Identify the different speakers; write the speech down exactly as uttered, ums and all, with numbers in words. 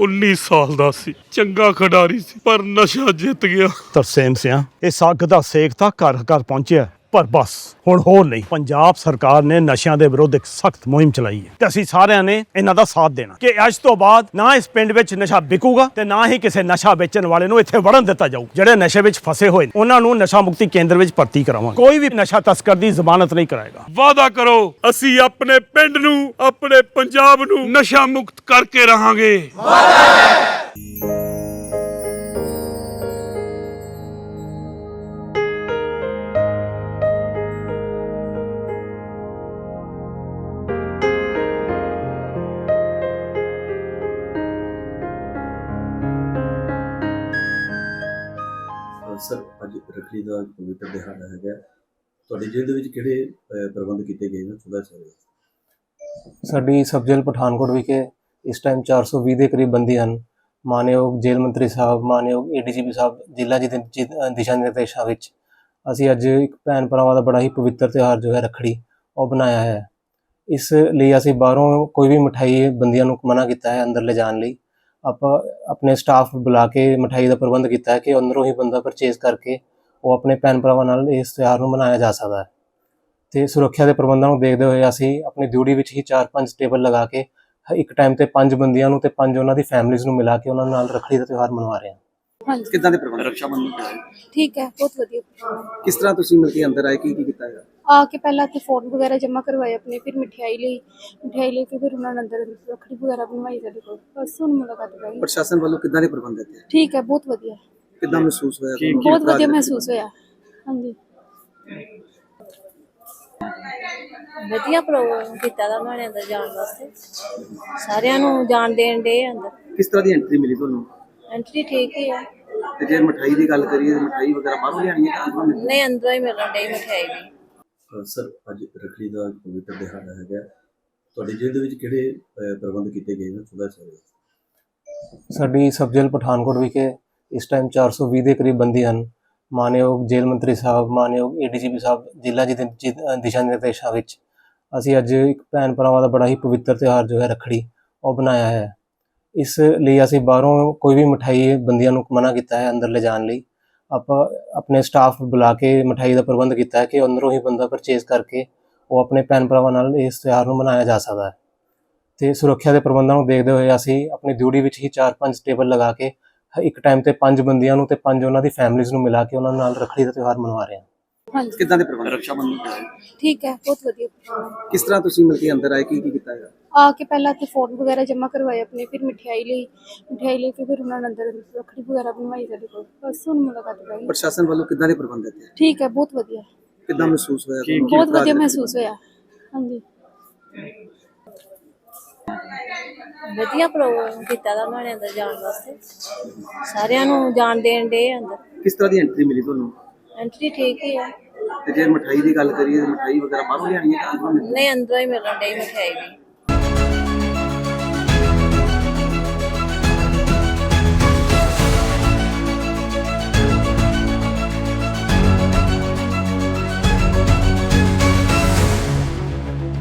Speaker 1: उन्नीस साल दा सी, चंगा खिडारी सी, पर नशा जित गया।
Speaker 2: ਤਰਸੇਮ ਸਿਆ ਇਸ ਅੱਗ ਦਾ ਸੇਕ ਤਾਂ ਘਰ ਘਰ ਪਹੁੰਚਿਆ, ਪਰ ਬਸ ਹੁਣ ਹੋਰ ਨਹੀਂ। ਪੰਜਾਬ ਸਰਕਾਰ ਨੇ ਨਸ਼ਿਆਂ ਦੇ ਵਿਰੁੱਧ ਇੱਕ ਸਖਤ ਮੁਹਿੰਮ ਚਲਾਈ ਹੈ ਤੇ ਅਸੀਂ ਸਾਰਿਆਂ ਨੇ ਇਹਨਾਂ ਦਾ ਸਾਥ ਦੇਣਾ ਕਿ ਅੱਜ ਤੋਂ ਬਾਅਦ ਨਾ ਇਸ ਪਿੰਡ ਵਿੱਚ ਨਸ਼ਾ ਵਿਕੂਗਾ ਤੇ ਨਾ ਹੀ ਕਿਸੇ ਨਸ਼ਾ ਵੇਚਣ ਵਾਲੇ ਨੂੰ ਇੱਥੇ ਵੜਨ ਦਿੱਤਾ ਜਾਊ। ਜਿਹੜੇ ਨਸ਼ੇ ਵਿੱਚ ਫਸੇ ਹੋਏ ਨੇ ਉਹਨਾਂ ਨੂੰ ਨਸ਼ਾ ਮੁਕਤੀ ਕੇਂਦਰ ਵਿੱਚ ਭਰਤੀ ਕਰਾਵਾਂਗੇ। ਕੋਈ ਵੀ ਨਸ਼ਾ ਤਸਕਰ ਦੀ ਜ਼ਮਾਨਤ ਨਹੀਂ ਕਰਾਏਗਾ।
Speaker 1: वादा करो ਅਸੀਂ ਆਪਣੇ ਪਿੰਡ ਨੂੰ, ਆਪਣੇ ਪੰਜਾਬ ਨੂੰ ਨਸ਼ਾ ਮੁਕਤ ਕਰਕੇ ਰਹਾਂਗੇ।
Speaker 3: ਸਰ ਅੱਜ ਰੱਖੜੀ ਦਾ ਪਵਿੱਤਰ ਦਿਹਾੜਾ ਹੈਗਾ, ਤੁਹਾਡੇ ਜ਼ਿਲ੍ਹੇ ਦੇ ਵਿੱਚ ਕਿਹੜੇ ਅਹ, ਪ੍ਰਬੰਧ ਕੀਤੇ ਗਏ ਨੇ ਥੋੜਾ ਜਿਹਾ?
Speaker 4: ਸਾਡੀ ਸਬ ਜੇਲ੍ਹ ਪਠਾਨਕੋਟ ਵਿਖੇ ਇਸ ਟਾਈਮ ਚਾਰ ਸੌ ਵੀਹ ਦੇ ਕਰੀਬ ਬੰਦੀ ਹਨ। ਮਾਨਯੋਗ ਜੇਲ੍ਹ ਮੰਤਰੀ ਸਾਹਿਬ, ਮਾਨਯੋਗ ਏ ਡੀ ਜੀ ਪੀ ਸਾਹਿਬ ਜ਼ਿਲ੍ਹਾ ਜੀ ਦੇ ਜੀ- ਦਿਸ਼ਾ ਨਿਰਦੇਸ਼ਾਂ ਵਿੱਚ ਅਸੀਂ ਅੱਜ ਇੱਕ ਭੈਣ ਭਰਾਵਾਂ ਦਾ ਬੜਾ ਹੀ ਪਵਿੱਤਰ ਤਿਉਹਾਰ ਜੋ ਹੈ ਰੱਖੜੀ ਉਹ ਬਣਾਇਆ ਹੈ। ਇਸ ਲਈ ਅਸੀਂ ਬਾਹਰੋਂ ਕੋਈ ਵੀ ਮਿਠਾਈ ਬੰਦੀਆਂ ਨੂੰ ਮਨਾ ਕੀਤਾ ਹੈ ਅੰਦਰ ਲਿਜਾਣ ਲਈ। ਆਪਾਂ ਆਪਣੇ ਸਟਾਫ ਬੁਲਾ ਕੇ ਮਿਠਾਈ ਦਾ ਪ੍ਰਬੰਧ ਕੀਤਾ ਹੈ ਕਿ ਅੰਦਰੋਂ ਹੀ ਬੰਦਾ ਪਰਚੇਜ਼ ਕਰਕੇ ਉਹ ਆਪਣੇ ਭੈਣ ਭਰਾਵਾਂ ਨਾਲ ਇਸ ਤਿਉਹਾਰ ਨੂੰ ਮਨਾਇਆ ਜਾ ਸਕਦਾ ਹੈ। ਅਤੇ ਸੁਰੱਖਿਆ ਦੇ ਪ੍ਰਬੰਧਾਂ ਨੂੰ ਦੇਖਦੇ ਹੋਏ ਅਸੀਂ ਆਪਣੀ ਡਿਊਟੀ ਵਿੱਚ ਹੀ ਚਾਰ ਪੰਜ ਟੇਬਲ ਲਗਾ ਕੇ ਇੱਕ ਟਾਈਮ ਤੇ ਪੰਜ ਬੰਦੀਆਂ ਨੂੰ ਤੇ ਪੰਜ ਉਹਨਾਂ ਦੀ ਫੈਮਿਲੀਜ਼ ਨੂੰ ਮਿਲਾ ਕੇ ਉਹਨਾਂ ਨਾਲ ਰੱਖੜੀ ਦਾ ਤਿਉਹਾਰ ਮਨਵਾ ਰਹੇ ਹਾਂ।
Speaker 5: ਹਾਂਜੀ
Speaker 3: ਕਿੱਦਾਂ ਦੇ ਪ੍ਰਬੰਧ ਰੱਖਿਆ ਬੰਧਨ ਤੇ
Speaker 5: ਠੀਕ ਹੈ, ਬਹੁਤ ਵਧੀਆ।
Speaker 3: ਕਿਸ ਤਰ੍ਹਾਂ ਤੁਸੀਂ ਮਿਲ ਕੇ ਅੰਦਰ ਆਏ, ਕੀ ਕੀ ਕੀਤਾ ਹੈਗਾ?
Speaker 5: ਆ ਕੇ ਪਹਿਲਾਂ ਤੇ ਫੋਨ ਵਗੈਰਾ ਜਮ੍ਹਾਂ ਕਰਵਾਏ ਆਪਣੇ, ਫਿਰ ਮਠਿਆਈ ਲਈ ਮਠਿਆਈ ਲੈ ਕੇ ਫਿਰ ਉਹਨਾਂ ਨੇ ਅੰਦਰ ਰੱਖੜੀ ਵਗੈਰਾ ਬਣਵਾਈ ਸਾਡੇ ਕੋਲ। ਬਸ ਹੁਣ ਮੁਲਾਕਾਤ ਕਰਾਂਗੇ।
Speaker 3: ਪ੍ਰਸ਼ਾਸਨ ਵੱਲੋਂ ਕਿੱਦਾਂ ਦੇ ਪ੍ਰਬੰਧ ਦਿੱਤੇ?
Speaker 5: ਠੀਕ ਹੈ, ਬਹੁਤ ਵਧੀਆ,
Speaker 3: ਕਿੱਦਾਂ ਮਹਿਸੂਸ ਹੋਇਆ ਤੁਹਾਨੂੰ?
Speaker 5: ਬਹੁਤ ਵਧੀਆ ਮਹਿਸੂਸ ਹੋਇਆ। ਹਾਂਜੀ
Speaker 6: ਵਧੀਆ ਪ੍ਰੋਗਰਾਮ ਕੀਤਾ ਦਾ ਉਹਨਾਂ ਨੇ ਅੰਦਰ ਜਾਣ ਵਾਸਤੇ, ਸਾਰਿਆਂ ਨੂੰ ਜਾਣ ਦੇਣ ਦੇ ਅੰਦਰ।
Speaker 3: ਕਿਸ ਤਰ੍ਹਾਂ ਦੀ ਐਂਟਰੀ ਮਿਲੀ ਤੁਹਾਨੂੰ?
Speaker 6: ਐਂਟਰੀ ਠੀਕ ਹੀ ਆ।
Speaker 3: ਤੇ ਜੇ ਮਠਾਈ ਦੀ ਗੱਲ ਕਰੀਏ, ਮਠਾਈ ਵਗੈਰਾ ਬਾਹਰੋਂ ਲਿਆਣੀ ਹੈ ਜਾਂ ਅੰਦਰੋਂ ਮਿਲਦੀ
Speaker 6: ਨਹੀਂ, ਅੰਦਰੋਂ ਹੀ ਮਿਲਣ ਡਈ ਮਠਿਆਈ ਵੀ।
Speaker 3: ਹੈ? ਸਰ ਅੱਜ ਰੱਖੜੀ ਦਾ ਪਵਿੱਤਰ ਦਿਹਾੜਾ ਹੈਗਾ, ਤੁਹਾਡੇ ਜ਼ਿਲ੍ਹੇ ਦੇ ਵਿੱਚ ਕਿਹੜੇ ਅਹ, ਪ੍ਰਬੰਧ ਕੀਤੇ ਗਏ ਨੇ ਥੋੜਾ ਜਿਹਾ?
Speaker 4: ਸਾਡੀ ਸਬ ਜੇਲ੍ਹ ਪਠਾਨਕੋਟ ਵਿਖੇ ਇਸ ਟਾਈਮ ਚਾਰ ਸੌ ਵੀਹ ਦੇ ਕਰੀਬ ਬੰਦੀ ਹਨ। ਮਾਨਯੋਗ ਜੇਲ੍ਹ ਮੰਤਰੀ ਸਾਹਿਬ, ਮਾਨਯੋਗ ਏ ਡੀ ਜੀ ਪੀ ਸਾਹਿਬ ਜ਼ਿਲ੍ਹਾ ਜੀ ਦੇ ਜੀ- ਦਿਸ਼ਾ ਨਿਰਦੇਸ਼ਾਂ ਵਿੱਚ ਅਸੀਂ ਅੱਜ ਇੱਕ ਭੈਣ ਭਰਾਵਾਂ ਦਾ ਬੜਾ ਹੀ ਪਵਿੱਤਰ ਤਿਉਹਾਰ ਜੋ ਹੈ ਰੱਖੜੀ ਉਹ ਬਣਾਇਆ ਹੈ। ਇਸ ਲਈ ਅਸੀਂ ਬਾਹਰੋਂ ਕੋਈ ਵੀ ਮਿਠਾਈ ਬੰਦੀਆਂ ਨੂੰ ਮਨਾ ਕੀਤਾ ਹੈ ਅੰਦਰ ਲਿਜਾਣ ਲਈ। ਆਪਾਂ ਆਪਣੇ ਸਟਾਫ ਬੁਲਾ ਕੇ ਮਿਠਾਈ ਦਾ ਪ੍ਰਬੰਧ ਕੀਤਾ ਹੈ ਕਿ ਅੰਦਰੋਂ ਹੀ ਬੰਦਾ ਪਰਚੇਜ਼ ਕਰਕੇ ਉਹ ਆਪਣੇ ਭੈਣ ਭਰਾਵਾਂ ਨਾਲ ਇਸ ਤਿਉਹਾਰ ਨੂੰ ਮਨਾਇਆ ਜਾ ਸਕਦਾ ਹੈ। ਅਤੇ ਸੁਰੱਖਿਆ ਦੇ ਪ੍ਰਬੰਧਾਂ ਨੂੰ ਦੇਖਦੇ ਹੋਏ ਅਸੀਂ ਆਪਣੀ ਡਿਊਟੀ ਵਿੱਚ ਹੀ ਚਾਰ ਪੰਜ ਟੇਬਲ ਲਗਾ ਕੇ ਇੱਕ ਟਾਈਮ ਤੇ ਪੰਜ ਬੰਦੀਆਂ ਨੂੰ ਤੇ ਪੰਜ ਉਹਨਾਂ ਦੀ ਫੈਮਿਲੀਜ਼ ਨੂੰ ਮਿਲਾ ਕੇ ਉਹਨਾਂ ਨਾਲ ਰੱਖੜੀ ਦਾ ਤਿਉਹਾਰ ਮਨਵਾ ਰਹੇ ਹਾਂ।
Speaker 5: ਹਾਂਜੀ
Speaker 3: ਕਿੱਦਾਂ ਦੇ ਪ੍ਰਬੰਧ ਰੱਖਿਆ ਬੰਧਨ ਤੇ?
Speaker 5: ਠੀਕ ਹੈ, ਬਹੁਤ ਵਧੀਆ।
Speaker 3: ਕਿਸ ਤਰ੍ਹਾਂ ਤੁਸੀਂ ਮਿਲ ਕੇ ਅੰਦਰ ਆਏ, ਕੀ ਕੀ ਕੀਤਾ ਹੈਗਾ?
Speaker 5: ਆ ਕੇ ਪਹਿਲਾਂ ਤੇ ਫੋਨ ਵਗੈਰਾ ਜਮ੍ਹਾਂ ਕਰਵਾਏ ਆਪਣੇ, ਫਿਰ ਮਠਿਆਈ ਲਈ ਮਠਿਆਈ ਲੈ ਕੇ ਫਿਰ ਉਹਨਾਂ ਨੇ ਅੰਦਰ ਰੱਖੜੀ ਵਗੈਰਾ ਬਣਵਾਈ ਸਾਡੇ ਕੋਲ। ਬਸ ਹੁਣ ਮੁਲਾਕਾਤ ਕਰਾਂਗੇ।
Speaker 3: ਪ੍ਰਸ਼ਾਸਨ ਵੱਲੋਂ ਕਿੱਦਾਂ ਦੇ ਪ੍ਰਬੰਧ ਦਿੱਤੇ?
Speaker 5: ਠੀਕ ਹੈ, ਬਹੁਤ ਵਧੀਆ,
Speaker 3: ਕਿੱਦਾਂ ਮਹਿਸੂਸ ਹੋਇਆ ਤੁਹਾਨੂੰ?
Speaker 5: ਬਹੁਤ ਵਧੀਆ ਮਹਿਸੂਸ ਹੋਇਆ। ਹਾਂਜੀ
Speaker 6: ਵਧੀਆ ਪ੍ਰੋਗਰਾਮ ਕੀਤਾ ਦਾ ਉਹਨਾਂ ਨੇ ਅੰਦਰ ਜਾਣ ਵਾਸਤੇ, ਸਾਰਿਆਂ ਨੂੰ ਜਾਣ ਦੇਣ ਦੇ ਅੰਦਰ।
Speaker 3: ਕਿਸ ਤਰ੍ਹਾਂ ਦੀ ਐਂਟਰੀ ਮਿਲੀ ਤੁਹਾਨੂੰ?
Speaker 6: ਐਂਟਰੀ ਠੀਕ ਹੀ ਆ।
Speaker 3: ਤੇ ਜੇ ਮਠਾਈ ਦੀ ਗੱਲ ਕਰੀਏ, ਮਠਾਈ ਵਗੈਰਾ ਬਾਹਰੋਂ ਲਿਆਣੀ ਹੈ ਜਾਂ ਅੰਦਰੋਂ ਮਿਲਦੀ ਹੈ?
Speaker 6: ਨਹੀਂ, ਅੰਦਰੋਂ ਹੀ ਮਿਲਣ ਡਈ ਮਠਿਆਈ ਵੀ।